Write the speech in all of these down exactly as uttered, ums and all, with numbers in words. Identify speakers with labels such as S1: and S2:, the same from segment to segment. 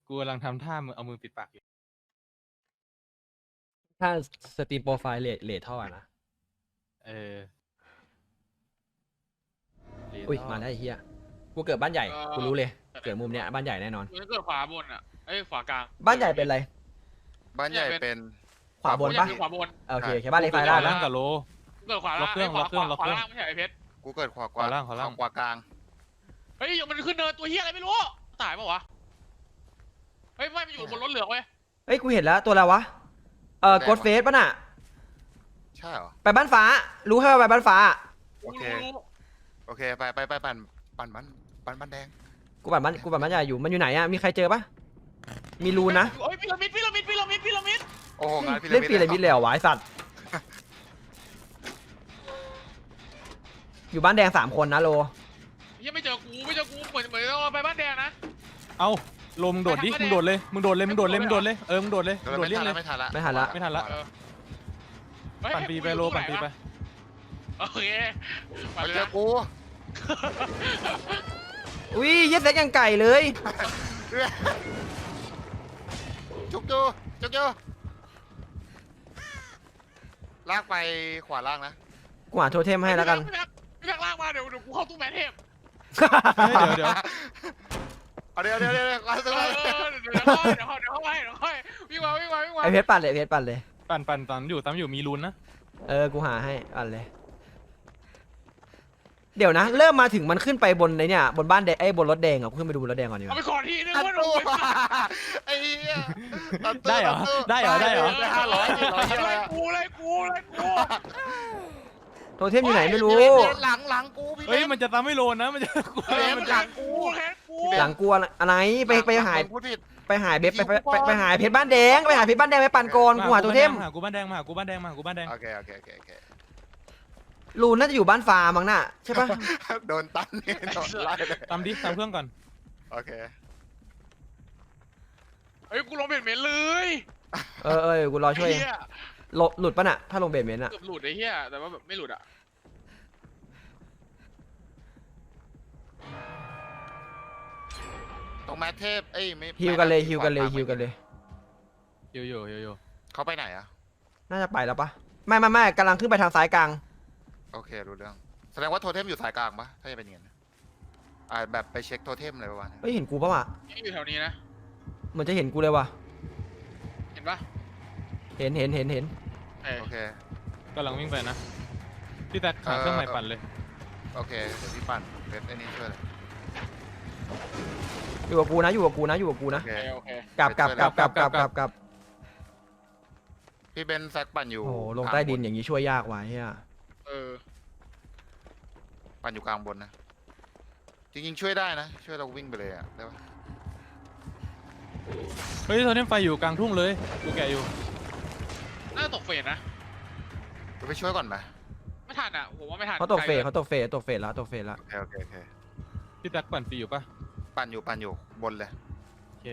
S1: กูกำลังทำท่ามือเอามือปิดปากอยู่
S2: ถ้าสตรีมโปรไฟล์เลทเลทเท่าไหร่นะ
S1: เออ
S2: อุ้ยมาแล้วไอ้เหี้ยกูเกิดบ้านใหญ่
S3: เอ่อ
S2: กูรู้เลยเกิดมุมเนี้ยบ้านใหญ่แน่นอน
S3: มันเกิดขวาบนอ่ะเอ้ยขวากลาง
S2: บ้านใหญ่เป็นอะไร
S4: บ้านใหญ่เป็น
S2: ขวาบน
S3: กูอยา
S2: ปะ
S3: กคือขวาบน
S2: โอเคโอเคบ้านเล็กซ้ายล่าง
S1: ล่า
S2: นะ
S1: งกับโล
S3: เกิดขวา
S1: ล็อกเครื่อง
S3: ไขวา
S1: ล็อกเครื่อง
S3: ขวา
S1: ล็อกเครื่อง
S3: ขวาล่างไม่ใช่ไอ้เพชร
S4: กูเกิดขวาก
S1: ขวาล่างขวาล่าง
S4: ขวากลาง
S3: เฮ้ยมันขึ้นเนินตัวเฮียอะไรไม่รู้ตายปะวะเฮ้ยไม่มันอยู่บนรถเหลืองเว้ย
S2: เฮ้ยกูเห็นแล้วตัวอะไรวะเออกดเฟสป่ะน่ะ
S4: ใช่เหรอ
S2: ไปบ้านฟ้า รู้แค่ว่าไปบ้านฟ้า
S4: โอเค
S3: รู้รู้
S4: โอเคไปไปไปปั่นปั่นบ้านปั่นบ้านแดง
S2: กูปั่นบ้านกูปั่นบ้านใหญ่อยู่มันอยู่ไหนอะมีใครเจอปะมีรูนะ
S3: เฮ้ยพีระมิดพีระมิดพีระมิดพีระมิด
S4: โอ้โหงานพี
S2: เล่นปีอะไรมิดเลยเหรอวะไอ้สัตว์อยู่บ้านแดงสามคนนะโล
S3: เฮียไม่เจอกูไม่เจอกูเหมือนเหมือนเราไปบ้านแดงนะ
S1: เอ้าโลมึงโดดดิ
S3: ไม่ทัน
S1: มึงโดดเลยมึงโดดเลยมึงโดดเลยมึงโดดเลยเออมึงโดดเลยมึงโดด
S4: ไม่
S1: เลี่ย
S4: ทั
S1: ง
S4: น
S1: เล
S4: ละ
S1: ย
S4: ไม่ทันละ
S2: ไม่ทันละ
S1: ไม่ทันละ
S3: เออเฮ้ย
S1: ปั่นปีไปโลปั่นปีไป
S3: โอเคปั่น
S4: มา
S3: เลย
S4: เจอ
S3: นะ
S4: กู
S2: อุ้ยเย็ดเซ็กยังไก่เลย
S4: จุกจูจุกจูลากไปขวาล่างนะ
S2: กูหาโทเทมให้แล้วกัน
S3: พี่แม็กพี่แม็กลากมาเดี๋ยวเดี๋ยวกูเข้าตู้แมนเทพ
S1: เฮ้ยเดี๋ยวเดี๋ยว
S4: เอาเดี๋ยวเดี๋ยวเดี๋ยวลาก
S3: เอ
S4: ตัว
S3: อเออเดี๋ยวเดี๋ยวเข้าเดี๋ยวเข้าเดี๋ยวเข้าไปเดี๋ยวเข้าไปวิ่งมาวิ่งมาวิ่งมา
S2: ไอเพชรปั่นเลยเพชรปั่นเลย
S1: ปั่นปั่นตอนอยู่ตามอยู่มีรูนนะ
S2: เออ กูหาให้อ่านเลย เดี๋ยวนะ เริ่มมาถึงมันขึ้นไปบนในเนี่ย บนบ้านแดงไอ้ยบนรถแดงอ่ะกูขึ้นไปดูบนรถแดงก่อนดีก
S3: เอา
S2: ว่า
S3: ไปขอทีนึง
S4: ตัด
S3: ว่าหนู
S4: ตัวไอ้เหี้ยตัตัว
S1: ได้เหรอ
S4: ตัตัว
S1: ได้เหรอได้เหรอ
S4: ได้ห้าร้อยสี่ร้อยอะไร
S3: เลย
S4: อะ
S3: กูเลยกูเลยกู
S2: โทเทมอยู่ไหนไม่รู้
S4: พี่เบนพี่เบนหลังหลังกูพี่เบ
S1: เฮ้ย
S4: น
S1: มันจะตามไม่โลนะมันจะกู
S4: เฮ้ย
S3: มันหลังกูแค่กู
S2: หลังกูอะไรไปไปหาย
S4: พูดผิด
S2: ไปหายเบฟไปไปไปไปหายเพชรบ้านแดงไปหายเพชรบ้านแดงไปปั่นก่อนกูหาโทเทม
S1: มาหากูบ้านแดงมาหากูบ้านแดงมาหากูบ้านแดง
S4: โอเคโอเคโอเคโอเค
S2: รูนน่าจะอยู่บ้านฟ้ามั้งน่ะใช่ปะ
S4: โดนตันนี่โดนไล่เลย
S1: ตามดิตามเครื่องก่อน
S4: โอเค
S3: เฮ้ยกูลงเบ็ดเมนเลย
S2: เออเออกูรอช่วย
S3: ไอ้เหี้ย
S2: หลบหลุดปะน่ะถ้าลงเบสเมนต์อ่ะ
S3: เกือบหลุดไอ้เหี้ยแต่ว่าแบบไม่หลุดอ่ะ
S4: ตรงแมทเทพเอ้ยไม่
S2: ฮิวกันเลยฮิวกันเลยฮิวกันเลย
S1: โยโย่โยโย่
S4: เขาไปไหนอะ
S2: น่าจะไปแล้วปะไม่ไม่ไม่กำลังขึ้นไปทางซ้ายกลาง
S4: โอเครู้เรื่องแสดงว่าโทเทมอยู่สายกลางปะถ้าจะเป็นอย่างนั้นอ่าแบบไปเช็คโทเทมอะไรประมาณนั้น
S2: เฮ้ยเห็นกูปะวะ
S3: นี่อยู่แถวนี้นะ
S2: เหมือนจะเห็นกูเลยว่ะ
S3: เห็นปะ
S2: เห็นเห็นเห็นเห็น
S3: เออ
S4: โอเค
S1: กำลังวิ่งไปนะพี่แท็กหาเครื่องใหม่ปั่นเลย
S4: โอเคเดี๋ยวพี่ปั่นเป็นไอ้นี่ช่วยเลย
S2: อยู่กับกูนะอยู่กับกูนะอยู่กับกู
S4: โอ
S2: นะ
S4: เค
S3: โอเค
S2: กลับกลับกลับกลับกลับกลับกลับ
S4: พี่เบนซ์แซกปั่นอยู่
S2: โอ้โหลงใต้ดินอย่างนี้ช่วยยากว่ะเฮีย
S3: เออ
S4: ปั่นอยู่กลางบนนะจริงๆช่วยได้นะช่วยเราวิ่งไปเลยอะได้ปะ
S1: เฮ้ยโทเทมไฟอยู่กลางทุ่งเลยกูแกะอยู่
S3: น่าจะตกเฟสนะ
S4: เราไปช่วยก่อนไหม
S3: ไม่ทันอ่ะผมว่าไม่ทัน
S2: เขาตกเฟสเขาตกเฟสตกเฟสแล้วตกเฟสแล้ว
S4: โอเคโอเคโอเค
S1: พี่แท็กปั่นฟรีอยู่ปะ
S4: ปั่นอยู่ปั่นอยู่บนเลย
S1: โอเค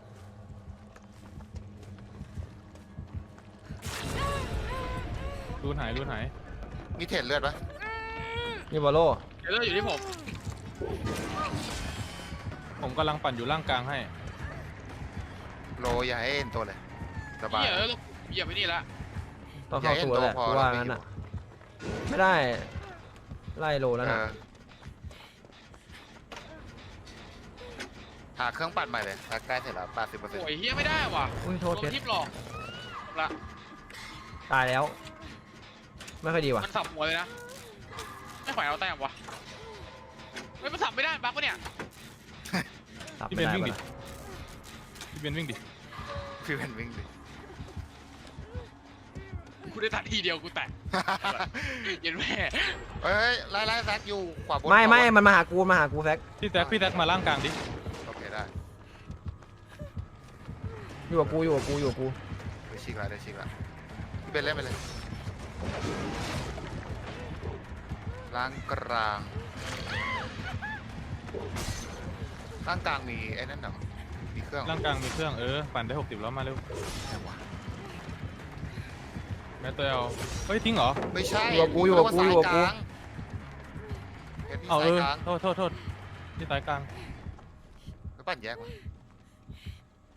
S1: รูนหายรูนหาย
S4: มีเทรดเลือดปะ
S2: นี่บอลโล
S3: เดี๋ยวเลือกอยู่ที่ผม
S1: ผมกำลังปั่นอยู่ล่างกลางให้
S4: โลอย่าให้เอ็นตัวเลยสบาย
S3: เหี้ยเออเหยียบไปนี่ละ
S2: ต้องเข้าตัวแหละ
S4: อย่าให้เห็นตัวพอ
S2: กูว่า
S4: แล้ว
S2: งั้น
S4: ไม่
S2: อ่ะ
S4: อยู่
S2: ไม่ได้ไล่โลแล้ว
S4: เอ
S2: นะ
S4: อหาเครื่องปั่นใหม่เลยใกล้เสร็จแล้วแปดสิบเปอร์เซ็นต์
S3: โอ้ยเฮียไม่ได้ว่ะ
S2: อุ้ยโท
S3: โด
S2: ษ
S3: น
S2: เพชร
S3: ทิปหลอกละ
S2: ตายแล้ว ไม่ค่อยดีว่ะ
S3: มันสับหัวเลยนะไม่ไหวเอาแต้มวะเฮ้ยมันสับไม่ได้บั๊กปะเนี่ย
S2: ตับ
S1: พี่
S2: ไม่
S1: เบน
S2: ได้
S1: วิ่งดิ
S2: ว่ะ
S1: พี่เบนวิ่งดิ
S4: พี่เป็นวิ่งดิ
S3: กูได้ตัดทีเดียวกูแตกเย็นแม่
S4: เฮ้ยไล่ไล่แซกอยู่ขวาบน
S2: ไม่ไม่
S4: ขวาบน
S2: มันมาหากูมาหากูแฟก
S1: พี่แท็กพี่แท็กมาล่างกลางดิ
S4: โอเคได้
S2: อยู่กับกูอยู่กับกูอยู่กับกู
S4: ได้ชิกละได้ชิกละพี่เป็นเล่นไปเลยล่างกลางล่างกลางมีไอ้นั่นเหรอมีเครื่อง
S1: ล่างกลางมีเครื่องเออปั่นได้หกสิบแล้วมาเร็ว
S4: ไหนวะ
S1: แม่ตัวเอาเฮ้ยทิ้งเหรอ
S4: ไม่ใช่
S2: อยู่กับกูอยู่กับกูอยู่กับกู
S4: เห็นที่
S1: เอาเอ
S4: สาย
S1: อก
S4: ลาง
S1: โทษโทษโทษที่สายกลาง
S4: ไปปั่นแยกวะ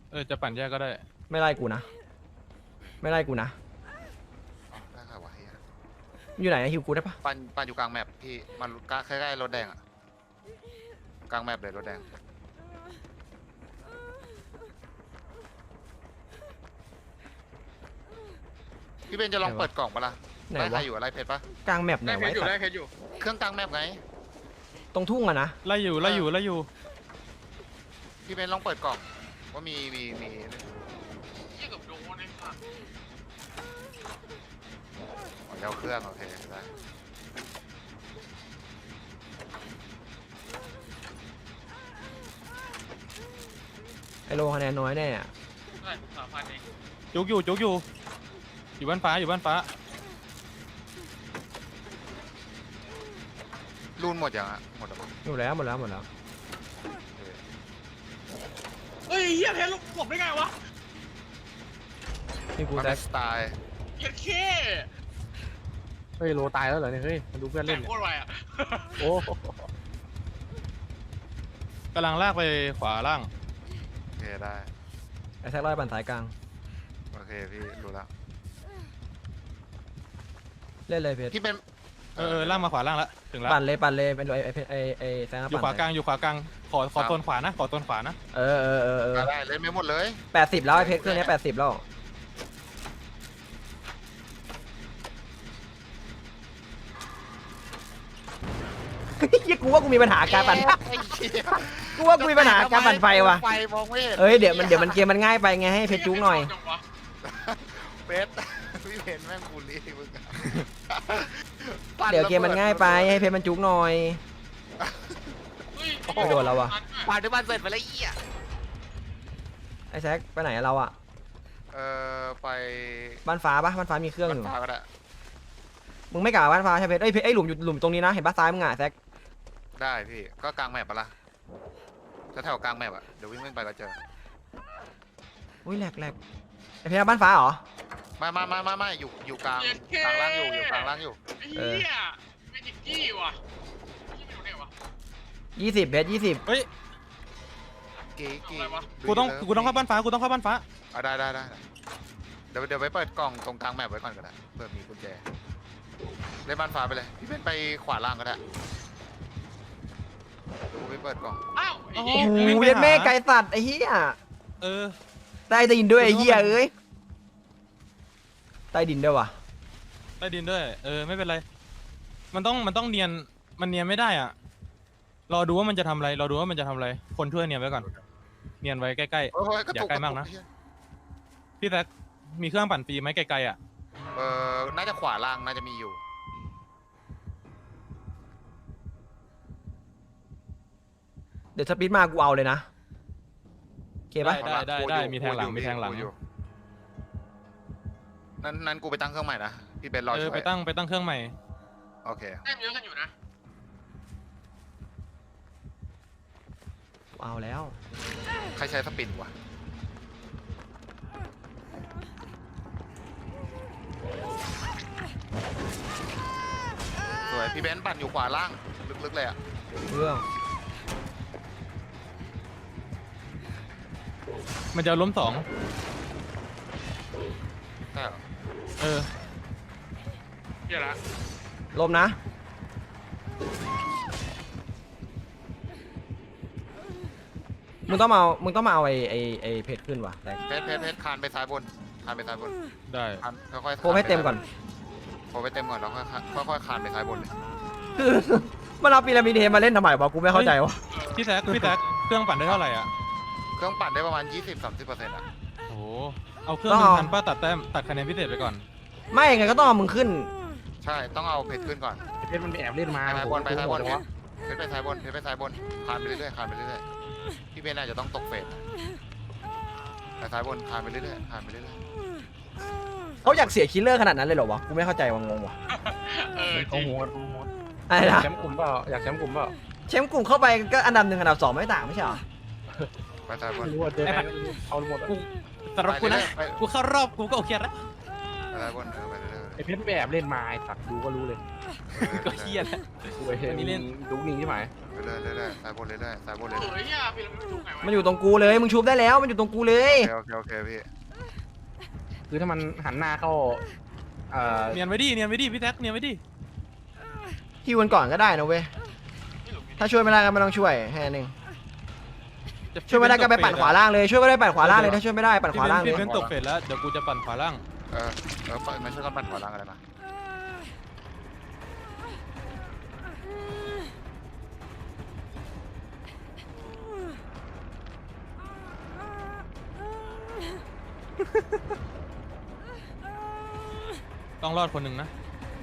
S1: เออจะปั่นแยกก็ได้
S2: ไม่ไล่กูนะ ไม่ไล่กูนะ
S4: อ๋อได้ค่ะวะเฮีย
S2: อยู่ไหนนะฮิวกูได้ปะ
S4: ปันปันอยู่กลางแมปพี่มันใกล้ๆรถแดงอะกลางแมปเลยรถแดงพี่เบนจะลองเปิดกล่องปะล่ะ
S2: ไหน
S4: ไล่ใคร
S2: วะ
S4: อยู่อะไล่เพชรปะ
S2: กลางแมปไหน
S3: ได้เพ
S2: ไว้
S3: ชรอยู่
S2: สัต
S3: ได้
S2: ว์
S3: เพชรอยู่
S4: เครื่องกลางแมปไง
S2: ตรงทุ่งอะนะ
S1: ไล่อยู่ไล่อยู่ไล่อยู่
S4: พี่เบนลองเปิดกล่องว่ามีมีมี
S3: เหี้ยกับโดนไอ้สัส
S4: อ๋อเดี๋ยวเครื่องโอเคได้
S2: ไอโลคะแนนน้อยแน่อะ
S3: ได้สามพันเอง
S1: จุกอยู่จุกอยู่อยู่บ้านฟ้าอยู่บ้านฟ้า
S4: รูนหมดยังอะหมดแล้วปะ
S2: หมดแล้วหมดแล้วหมดแล้ว
S3: เฮ้ยเหี้ยเพชรผมได้ไงวะ
S2: นี่กู
S4: มัน
S2: แซ
S4: เป็
S2: ก
S4: นสไตล์
S3: เหี้ยเค
S5: เฮ้ยโลตายแล้วเหรอเนี่ยเฮ้ยมาดูเพื่อน
S3: แต่
S5: เล่นเนี่ย
S3: โคตรไวอ่ะ
S5: โอ้
S1: กำลังลากไปขวาล่าง
S4: โอเคได้
S2: ไอแซกไล่ปั่นสายกลาง
S4: โอเคพี่รู้แล้ว
S2: เล่นเลยเพชร
S4: พี่เป็น
S1: เออเออล่างมาขวาล่างละถึงละ
S2: ปั่นเลยปั่นเลยเป็นไอไอเพชรไอไอแซก
S1: อยู่ขวา
S2: ปั่น
S1: กลางอยู่ขวากลางขอขอโซนขวานะขอโซนขวานะ
S2: เออเออเออเออ
S4: ได้เล่นไม่หมดเลย
S2: แปดสิบแล้วไอเพชรเครื่องนี้แปดสิบแล้วยี่กูว่ากูมีปัญหาการปั่น
S4: ไอ้เหี้ย
S2: กูว่ากูมีปัญหาการปั่นไฟว่ะ
S4: ไฟมองไม่เห็น
S2: เอ้ยเดี๋ยวมันเดี๋ยวมันเกมมันง่ายไปไงให้เพชรจุกหน่อย
S4: เพชรพี่เพชรแม่งบูลลี่มึงอะ
S2: เดี๋ยวเกมมันง่ายไปให้เพชรมันจุกหน่อย ไม่โดนแล้ววะ
S4: ปาดด้วยบ้านเสร็จไปแล้วเหี้ย
S2: ไอแซกไปไหนอะเราอะ
S4: เออไป
S2: บ้านฟ้าปะบ้านฟ้ามีเครื่องอยู่
S4: บ้านฟ้าก็ได้
S2: มึงไม่กลับบ้านฟ้าใช่เพชรเอ้ยเพชรไอยหลุมอยู่หลุมตรงนี้นะเห็นปะซ้ายมึงอะแซก
S4: ได้พี่ก็กลางแมปปะล่ะแถวๆกลางแมปอะเดี๋ยววิ่งวิ่งไปก็เจอ
S2: อุ้ยแหลกแหลกไอเพชรเอาบ้านฟ้าเหรอ
S4: ไม่ไม่ไม่ไม่ไม่อยู่อยู่กลางกลางล่างอยู่อยู่กลางล่างอยู่
S3: ไอ้เหี้ยเมจิกกี้ว่ะยี่ไม่รู้เนี่ยวะ
S2: ยี่สิบเพชรยี่สิบ
S1: เฮ้ย
S4: กี่กี่
S3: อะไรวะ
S1: กูต้องกูต้องเข้าบ้านฟ้ากูต้องเข้าบ้านฟ้า
S4: อ่ะได้ได้ได้ได้เดี๋ยวเดี๋ยวไปเปิดกล่องตรงกลางแมปไว้ก่อนก็ได้เผื่อมีกุญแจเล่นบ้านฟ้าไปเลยพี่เป็นไปขวาล่างก็ได้เดี๋ยวกูไปเปิดกล่อง
S3: อ้าวไอ้
S2: โอ้
S3: เหี้ย
S2: โห
S1: วิ่งไป
S2: เวียน
S1: หา
S2: แม่ไก่สัตว์ไอ้เหี้ย
S1: เออ
S2: ใต้ดินด้วยไอ้เหี้ยเอ้ยใต้ดินด้วยวะ
S1: ใต้ดินด้วยเออไม่เป็นไรมันต้องมันต้องเนียนมันเนียนไม่ได้อ่ะรอดูว่ามันจะทำอะไรรอดูว่ามันจะทำอะไรคนช่วยเนียนไว้ก่อนเนียนไว้ใกล้
S4: โอ้ยกระ
S1: อย่า
S4: ตุก
S1: ใกล้มากนะ
S4: รตุ
S1: ๆพี่แซกมีเครื่องปั่นฟรีไหมไกลๆอ่ะ
S4: เออน่าจะขวาล่างน่าจะมีอยู่
S2: เดี๋ยวสปีดมากูเอาเลยนะโอเคปะ
S1: ได้ได้ได้มีแทงหลัง
S4: กูอยู่
S1: มีแทงหลัง
S4: กูอยู่นั้นนั้นกูไปตั้งเครื่องใหม่นะพี่เป็นรอ
S1: เอ
S4: ช่
S1: อ
S4: วย
S1: ไปตั้งไปตั้งเครื่องใหม่
S4: โอเค
S3: แต้มเยอะกันอยู่นะ
S2: กูเอาแล้ว
S4: ใครใช้สปินวะสวยพี่เบนซ์ปั่นอยู่ขวาล่างลึกๆเลยอ่ะ
S2: เรื่อง
S1: มันจะล้มสอง
S4: ใช่เหรอ
S1: เออ
S3: เหี้ยละ
S2: ลมนะมึงต้องมาเอามึงต้องมาเอาไอ้ไอ้ไอ้เพชรขึ้นว่ะแต่
S4: เพชรเพชรเพชรคานไปซ้ายบนคานไปซ้ายบน
S1: ได้
S4: คานค่อยๆ
S2: โคให้เต็มก่อน
S4: โคให้เต็มก่อนแล้วค่อยๆค่อยๆคานไปซ้ายบนเลย
S2: คือมันเอาพีระมิดเฮมาเล่นทำไมวะกูไม่เข้าใจวะ
S1: พี่แซกพี่แซกเครื่องปั่นได้เท่าไหร่อ่ะ
S4: เครื่องปั่นได้ประมาณ ยี่สิบถึงสามสิบเปอร์เซ็นต์ อ่ะ
S1: โอ้โหเอาเครื่องหนึ่งพันป้าตัดแต้มตัดคะแนนพิเศษไปก่อน
S2: ไม่ไงก็ต้องเอามึงขึ้น
S4: ใช่ต้องเอาเพชรขึ้นก่อน
S5: เพชรมันไปแอบเล่นมา
S4: ไปซ้ายบนไปซ้ายบน
S5: โอ้โห
S4: เพชรเพชรไปซ้ายบนเพชรไปซ้ายบนคานไปเรื่อยๆคานไปเรื่อยๆพี่เบนอาจจะต้องตกเฟสไปซ้ายบนคานไปเรื่อยๆคานไปเรื่อย
S2: เขาอยากเสียคิลเลอร์ขนาดนั้นเลยเหรอวะกูไม่เข้าใจว่างงวะ
S3: เออจ
S5: โอ้
S3: ริง
S5: โหโอ้โห
S2: อะไร
S5: อยาก
S2: นะ
S5: แชมป์กลุ่มเปล่าอยากแชมป์กลุ่มเปล่า
S2: แชมป์กลุ่มเข้าไปก็อันดับหนึ่งอันดับสองไม่ต่างไม่ใช่เหรอ
S4: ๆไปซ้ายบน
S5: ไม่รู้ว่าเจอใครเอาหมดอะ
S1: กูสำหรับกูนะ
S4: ไป
S1: กูเข้ารอบกูก็โอเคแล้ว
S4: ไปซ้ายบนเออไปเรื่อย
S5: อ้เพชรไปแอบเล่นมาไอ้สัตว์ดูก็รู้เลย
S1: ก็เครียด
S5: กูไปเห็น
S1: อันนี้เล่น
S5: ดูนิ่งที่ไหน
S4: เรื่อยๆเรื่อยๆสายบนเรื่อยๆสายบนเรื่อย
S3: เฮ้ยเฮียพี่เราไม่รู้ไงวะ
S2: มันอยู่ตรงกูเลยมึงชุบได้แล้วมันอยู่ตรงกูเลย
S4: ๆโอเคโอเคโอเคพี่
S5: คือถ้ามันหันหน้าเข้าเอ่อ
S1: เนียนไว้ดิเนียนไว้ดิพี่แท็กเนียนไว้ดิ
S2: ฮิวกันก่อนก็ได้นะเว้ยถ้าช่วยไม่ได้ก็ไม่ต้องช่วยแค่นึงช่วยไม่ได้ก็ไปปั่นขวาล่างเลยช่วยไม่ได้ปั่นขวาล่างเลยถ้าช่วยไม่ได้ปั่นขวาล่างเล
S1: พี่
S2: ย
S1: เป็นตกเฟสแล้วเดี๋ยวกูจะปั่นขวาล่าง
S4: เออเออมาช่วยกันปั่นขวาล่างอะไรมา
S1: ต้องรอดคนหนึ่งนะ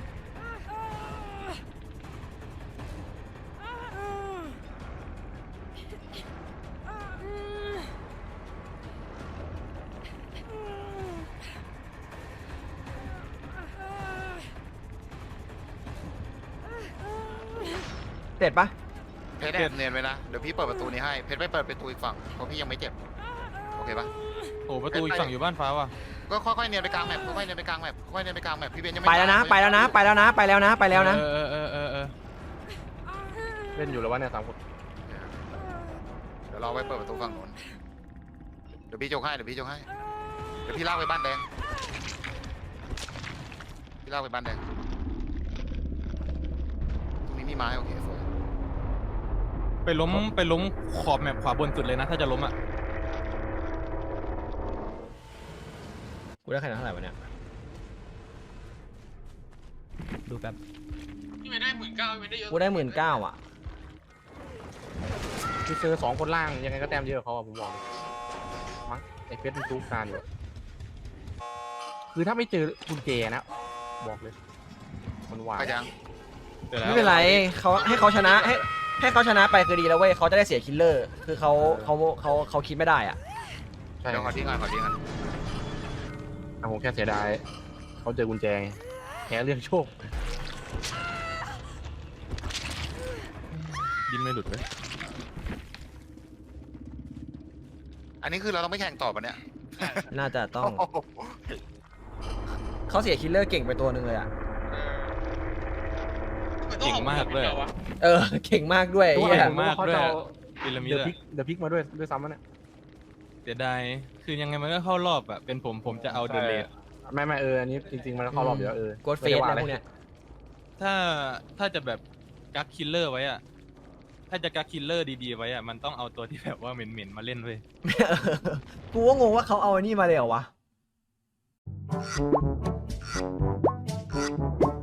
S2: เด็ดปะ
S4: เพชรแอบเนียนไว้นะเดี๋ยวพี่เปิดประตูนี้ให้เพชรไม่เปิดประตูอีกฝั่งเพราะพี่ยังไม่เจ็บโอเคปะ
S1: โอ้ประตูอีกฝั่งอยู่บ้านฟ้าว่ะ
S4: ก็ค่อยๆเนียนไปกลางแมปค่อยๆเนียนไปกลางแมปค่อยๆเนียนไปกลางแมปพี่เบนยังไม่
S2: ไปแล้วนะไปแล้วนะไปแล้วนะไปแล้วนะไปแล้วนะ
S1: เออเออเออเออ
S5: เล่นอยู่แล้ววะเนี่ยสามคน
S4: เดี๋ยวเราไปเปิดประตูฝั่งนู้นเดี๋ยวพี่โจกให้เดี๋ยวพี่โจกให้เดี๋ยวพี่ลากไปบ้านแดงพี่ลากไปบ้านแดงตรงนี้มีไม้โอเคสวย
S1: ไปล้มไปล้มขอบแมปขวาบนสุดเลยนะถ้าจะล้มอ่ะ
S2: กูได้คะแนนเท่าไหร่วะเนี่ยดูแป๊บ
S3: พี่ไม่ได้หมื่นเก้าไม่ได้เยอะ
S2: กูได้หมื่นเก้าอ่ะ
S5: คือเจอสองคนล่างยังไงก็แต้มเยอะกว่าเขาอะผมบอกเลยมั้งไอ้เพชรมันทุกการอยู่คือถ้าไม่เจอกุญแจนะบอกเลยมันหวาน
S4: ไปยัง
S1: เดี๋ยวแล้ว
S2: ไม่เป็นไรเขาให้เขาชนะให้ให้เขาชนะไปคือดีแล้วเว้ยเขาจะได้เสียคิลเลอร์คือเขาเขาเขาเขาคิดไม่ได้อ่ะ
S5: ใช่
S4: เดี๋ยวขอทิ้งก่อนขอทิ้งก่อน
S5: อ่ะผมแค่เสียดายเขาเจอกุญแจไงแพ้เรื่องโชค
S1: ดินไม่หลุดเลย
S4: อันนี้คือเราต้องไม่แข่งต่อปะเนี่ย
S2: น่าจะต้องเขาเสียคิลเลอร์เก่งไปตัวหนึ่งเลยอ่ะ
S1: เก่งมากเลย
S2: เออเก่งมากด้วย
S5: ตัว
S2: ไอ้
S5: อะไร
S2: เหี้ย
S5: ผมว่าเขาจะเอา
S1: พีระมิด
S5: เดอะ
S1: อะ
S5: พิกเดอะพิกมาด้วยด้วยซ้ำมันเนี่ย
S1: เสียดายคือยังไงมันก็เข้ารอบอะเป็นผมผมจะเอาเดอะเลด
S5: ไม่ไม่เอออันนี้จริงๆมันเข้ารอบอยู่แล้วเออ
S2: โกดเฟสอะไรพวกเนี้ย
S1: ถ้าถ้าจะแบบกักคิลเลอร์ไว้อะถ้าจะกักคิลเลอร์ดีๆไว้อะมันต้องเอาตัวที่แบบว่าเหม็นๆมาเล่นเว้ย
S2: กูก็งงว่าเขาเอาอันนี้มาเลยเหรอวะ